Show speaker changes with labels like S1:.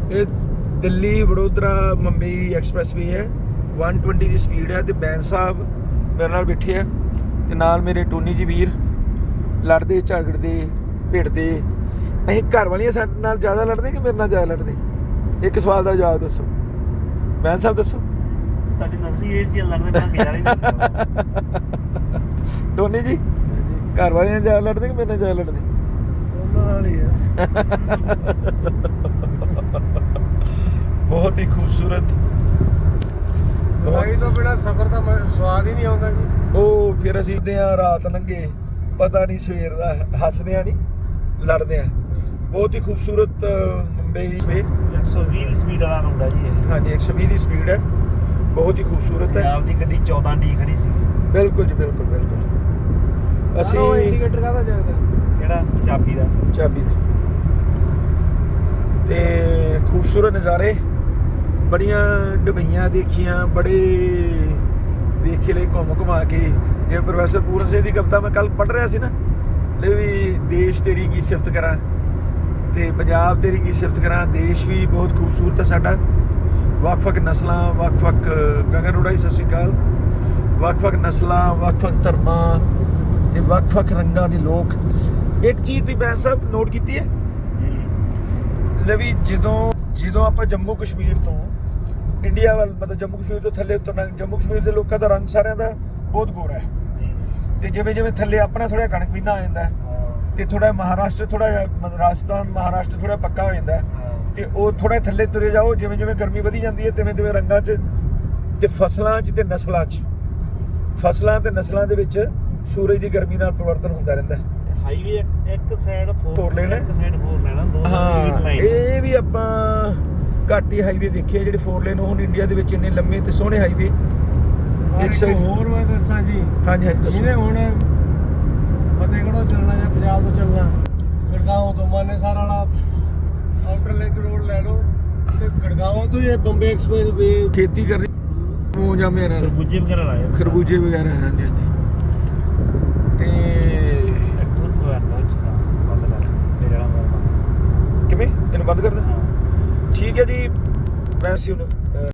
S1: ਇਹ ਦਿੱਲੀ ਵਡੋਦਰਾ ਮੁੰਬਈ ਐਕਸਪ੍ਰੈਸਵੇ ਹੈ। 120 ਦੀ ਸਪੀਡ ਹੈ ਤੇ ਬੈਂਸ ਸਾਹਿਬ ਮੇਰੇ ਨਾਲ ਬੈਠੇ ਆ ਤੇ ਨਾਲ ਮੇਰੇ ਟੋਨੀ ਜੀ ਵੀਰ ਲੜਦੇ ਝਗੜਦੇ ਭਿੜਦੇ। ਅਸੀਂ ਘਰ ਵਾਲੀਆਂ ਸਾਡੇ ਨਾਲ ਜ਼ਿਆਦਾ ਲੜਦੇ ਕਿ ਮੇਰੇ ਨਾਲ ਜ਼ਿਆਦਾ ਲੜਦੇ? ਇੱਕ ਸਵਾਲ ਦਾ ਜਵਾਬ ਦੱਸੋ ਬੈਂਸ ਸਾਹਿਬ, ਦੱਸੋ।
S2: ਤੁਹਾਡੀ ਨਸਲੀ ਇਹ ਚੀਜ਼ ਲੜਦੇ ਬਣਾ ਕੇ ਯਾਰ ਹੀ ਨਹੀਂ
S1: ਟੋਨੀ ਜੀ ਘਰ ਵਾਲਿਆਂ ਨਾਲ ਜ਼ਿਆਦਾ ਲੜਦੇ ਕਿ ਮੇਰੇ ਨਾਲ ਜ਼ਿਆਦਾ ਲੜਦੇ?
S3: ਉਹਨਾਂ ਨਾਲ ਹੀ ਹੈ।
S1: ਬਹੁਤ ਹੀ ਖੂਬਸੂਰਤ।
S3: ਲੜਾਈ ਤੋਂ ਬਿਨਾਂ ਸਫ਼ਰ ਦਾ ਸਵਾਦ ਹੀ ਨਹੀਂ ਆਉਂਦਾ ਜੀ।
S1: ਉਹ ਫਿਰ ਅਸੀਂ ਦੇ ਆ ਰਾਤ ਲੰਘੇ ਪਤਾ ਨਹੀਂ ਸਵੇਰ ਦਾ, ਹੱਸਦੇ ਆ ਨਹੀਂ ਲੜਦੇ ਆ। ਬਹੁਤ ਹੀ ਖੂਬਸੂਰਤ ਮੁੰਬਈ ਵੇ
S2: 120 ਦੀ ਸਪੀਡ ਵਾਲਾ ਰੋਡ ਹੈ ਜੀ ਇਹ।
S1: ਹਾਂਜੀ 120 ਦੀ ਸਪੀਡ ਹੈ, ਬਹੁਤ ਹੀ ਖੂਬਸੂਰਤ ਹੈ।
S2: ਪੰਜਾਬ ਦੀ ਗੱਡੀ 14 ਡੀ ਖੜੀ ਸੀ।
S1: ਬਿਲਕੁਲ ਜੀ ਬਿਲਕੁਲ ਬਿਲਕੁਲ। ਅਸੀਂ
S3: ਇੰਡੀਕੇਟਰ ਕਾਹਦਾ ਜਗਦਾ?
S2: ਕਿਹੜਾ? ਚਾਬੀ ਦਾ।
S1: ਚਾਬੀ ਦੇ ਤੇ ਖੂਬਸੂਰਤ ਨਜ਼ਾਰੇ, ਬੜੀਆਂ ਡਬਈਆਂ ਦੇਖੀਆਂ, ਬੜੇ ਦੇਖੇ ਲਈ ਘੁੰਮ ਘੁਮਾ ਕੇ। ਜੇ ਪ੍ਰੋਫੈਸਰ ਪੂਰਨ ਸਿੰਘ ਦੀ ਕਵਿਤਾ ਮੈਂ ਕੱਲ ਪੜ੍ਹ ਰਿਹਾ ਸੀ ਨਾ, ਲੈ ਵੀ ਦੇਸ਼ ਤੇਰੀ ਕੀ ਸਿਫਤ ਕਰਾਂ ਤੇ ਪੰਜਾਬ ਤੇਰੀ ਕੀ ਸਿਫਤ ਕਰਾਂ। ਦੇਸ਼ ਵੀ ਬਹੁਤ ਖੂਬਸੂਰਤ ਹੈ ਸਾਡਾ, ਵੱਖ-ਵੱਖ ਨਸਲਾਂ, ਵੱਖ-ਵੱਖ ਗਗਨ ਉਡਾਈ ਸਤਿ ਸ਼੍ਰੀ ਅਕਾਲ, ਵੱਖ-ਵੱਖ ਨਸਲਾਂ, ਵੱਖ-ਵੱਖ ਧਰਮਾਂ ਤੇ ਵੱਖ-ਵੱਖ ਰੰਗਾਂ ਦੇ ਲੋਕ। ਇੱਕ ਚੀਜ਼ ਦੀ ਬੈਂਸ ਸਾਹਿਬ ਨੋਟ ਕੀਤੀ ਹੈ
S2: ਜੀ,
S1: ਲੈ ਵੀ ਜਦੋਂ ਆਪਾਂ ਜੰਮੂ ਕਸ਼ਮੀਰ ਤੋਂ ਇੰਡੀਆ ਵੱਲ, ਮਤਲਬ ਜੰਮੂ ਕਸ਼ਮੀਰ ਤੋਂ ਥੱਲੇ ਉਤਰਨਾ, ਜੰਮੂ ਕਸ਼ਮੀਰ ਦੇ ਲੋਕਾਂ ਦਾ ਰੰਗ ਸਾਰਿਆਂ ਦਾ ਬਹੁਤ ਗੋਰਾ ਹੈ
S2: ਜੀ।
S1: ਤੇ ਜਿਵੇਂ ਜਿਵੇਂ ਥੱਲੇ ਆਪਣਾ ਥੋੜਾ ਕਣਕ ਪੀਨਾ ਆ ਜਾਂਦਾ ਤੇ ਥੋੜਾ ਮਹਾਰਾਸ਼ਟਰ, ਥੋੜਾ ਰਾਜਸਥਾਨ ਮਹਾਰਾਸ਼ਟਰ ਥੋੜਾ ਪੱਕਾ ਹੋ ਜਾਂਦਾ ਤੇ ਉਹ ਥੋੜਾ ਥੱਲੇ ਤੁਰੇ ਜਾਓ, ਜਿਵੇਂ ਜਿਵੇਂ ਗਰਮੀ ਵਧੀ ਜਾਂਦੀ ਹੈ ਤਿਵੇਂ ਤਿਵੇਂ ਰੰਗਾਂ 'ਚ ਤੇ ਫਸਲਾਂ 'ਚ ਤੇ ਨਸਲਾਂ 'ਚ, ਫਸਲਾਂ ਤੇ ਨਸਲਾਂ ਦੇ ਵਿੱਚ ਸੂਰਜ ਦੀ ਗਰਮੀ ਨਾਲ ਪਰਿਵਰਤਨ ਹੁੰਦਾ ਰਹਿੰਦਾ।
S2: ਹਾਈਵੇ ਇੱਕ ਸਾਈਡ 4
S1: ਲੇਨ ਹੈ,
S2: ਇੱਕ ਸਾਈਡ 4 ਲੈਣਾ, ਦੋ
S1: ਹਾਂ।
S2: ਲਾਈਨ।
S1: ਇਹ ਵੀ ਆਪਾਂ ਘੱਟ ਹੀ ਹਾਈਵੇ ਦੇਖੇ ਜਿਹੜੇ 4 ਲੇਨ ਹੋਣ ਇੰਡੀਆ ਦੇ ਵਿੱਚ, ਇੰਨੇ ਲੰਮੇ ਤੇ ਸੋਹਣੇ ਹਾਈਵੇ।
S3: ਇੱਕ ਹੋਰ ਮੈਂ ਦੱਸਾਂ ਜੀ,
S1: ਹਾਂਜੀ ਹਾਂਜੀ ਦੱਸੋ।
S3: ਜਿਹਨੇ ਹੁਣ ਫਤਿਹਗੜ੍ਹੋਂ ਚੱਲਣਾ ਜਾਂ ਪੰਜਾਬ ਤੋਂ ਚੱਲਣਾ, ਗੜਗਾਉਂ ਤੋਂ ਮਾਨੇਸਰ ਵਾਲਾ ਆਊਟਰ ਲਿੰਕ ਰੋਡ ਲੈ ਲਓ ਤੇ ਗੜਗਾਉਂ ਤੋਂ ਇਹ ਬੰਬੇ ਐਕਸਪ੍ਰੈਸ ਵੇ
S1: ਖੇਤੀ ਕਰਨੀ ਮੂੰਹ ਜਾਮੇ ਨਾਲ
S2: ਖਰਬੂਜੇ ਵਗੈਰਾ ਲਾਏ।
S1: ਖਰਬੂਜੇ ਵਗੈਰਾ, ਹਾਂਜੀ ਹਾਂਜੀ। ਤੇ
S2: ਇੱਕ ਹੋਰ ਹੋਇਆ ਨਾ ਬੰਦ ਕਰ ਮੇਰੇ ਵਾਲਾ ਮੋਬਾਈਲ।
S1: ਕਿਵੇਂ ਇਹਨੂੰ ਬੰਦ ਕਰ ਦੇ?
S2: ਹਾਂ
S1: ਠੀਕ ਹੈ ਜੀ, ਮੈਂ ਸੀ ਹੁਣ